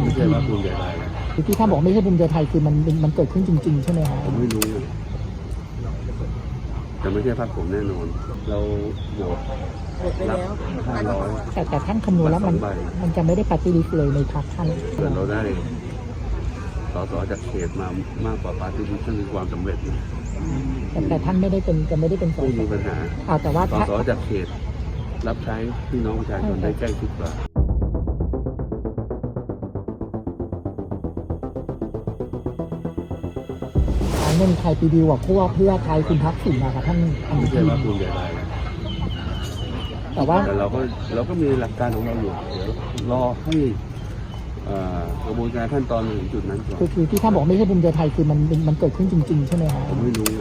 ไม่ใช่ว่าภูมิใจไทยนะที่ท่านบอกไม่ใช่ภูมิใจไทยคือมันเกิดขึ้นจริงๆใช่ไหมครับผมไม่รู้แต่ไม่ใช่พรรคผมแน่นอนเราโหวตไปแล้ว 500 แต่ท่านคำนวณแล้วมันจะไม่ได้ปฏิริษีเลยในพรรคท่านเราได้ส.ส.จากเขตมามากกว่าปาร์ตี้ลิสต์นั่นคือความสำเร็จนะแต่ท่านไม่ได้เป็นส. ไม่มีปัญหาแต่ว่าส.ส.จากเขตรับใช้พี่น้องประชาชนได้ใกล้ชิดกว่าเงินไทยปีดีกว่าเพื่อไทยคุณทักษิณนะครับท่านไม่ใช่ว่าภูมิใจไทยนะแต่เราก็มีหลักการของเราอยู่เดี๋ยวรอให้กระบวนการขั้นตอนถึงจุดนั้นก่อนคือที่ท่านบอกไม่ใช่ภูมิใจไทยคือมันเกิดขึ้นจริงๆใช่ไหมครับผมไม่รู้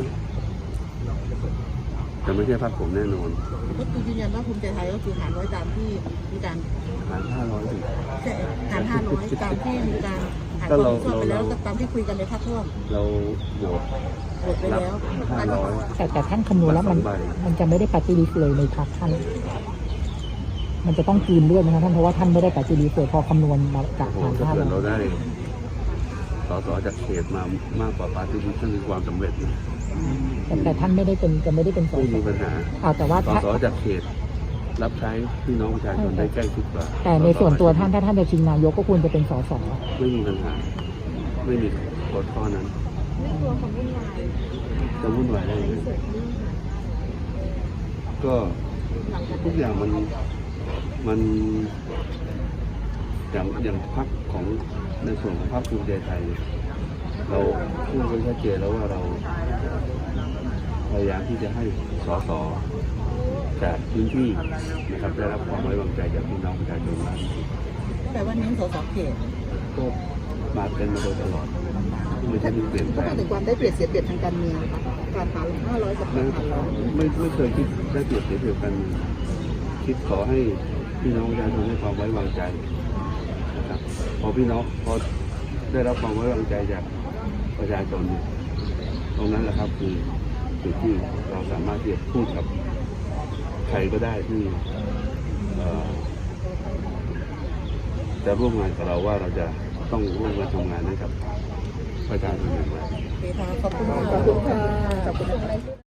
แต่ไม่ใช่พรรคผมแน่นอนก็คือยืนยันว่าภูมิใจไทยก็คือหาร100ตามที่มีการหาร500 หาร500ตามที่มีการหารความชอบไปแล้วตามที่คุยกันในพรรคร่วมเราโหวตไปแล้ว 500 แต่ท่านคำนวณแล้วมันจะไม่ได้ปฏิริษีเลยในพรรคท่านมันจะต้องกลืนเลือดนะครับท่านเพราะว่าท่านไม่ได้ปฏิริษีพอคำนวณมาจากหาร500เราได้ส.ส.จากเขตมามากกว่าปาร์ตี้ลิสต์นั่นคือความสำเร็จนะแต่ท่านไม่ได้เป็นส.ส. ไม่มีปัญหาแต่ว่าส.ส.จากเขตรับใช้พี่น้องประชาชนได้ใกล้ชิดกว่าแต่ในส่วนตัวท่านถ้าท่านจะชิงนายกก็ควรจะเป็นส.ส. ไม่มีปัญหาไม่มีกฎข้อนั้นจะวุ่นวายได้ไหมก็ทุกอย่างมันอย่างพรรคของในส่วนของพรรคภูมิใจไทยเราพูดไว้ชัดเจนแล้วว่าเราพยายามที่จะให้ส.ส.จากพื้นที่นะครับได้รับความไว้วางใจจากพี่น้องประชาชนมากแต่ว่านี้ส.ส.เขตก็มาเป็นมาโดยตลอดไม่ใช่เปลี่ยนแปลงถึงความได้เปรียบเสียเปรียบทางการเมืองการหาร500กับการหาร100 ไม่เคยคิดได้เปรียบเสียเปรียบกันคิดขอให้พี่น้องประชาชนให้ความไว้วางใจนะครับพอได้รับความไว้วางใจจากประชาชนตรงนั้นแหละครับคือจุดที่เราสามารถที่จะพูดกับใครก็ได้ที่จะร่วมงานกับเราว่าเราจะต้องร่วมกันทำงานให้กับประชาชนอย่างไรขอบคุณค่ะ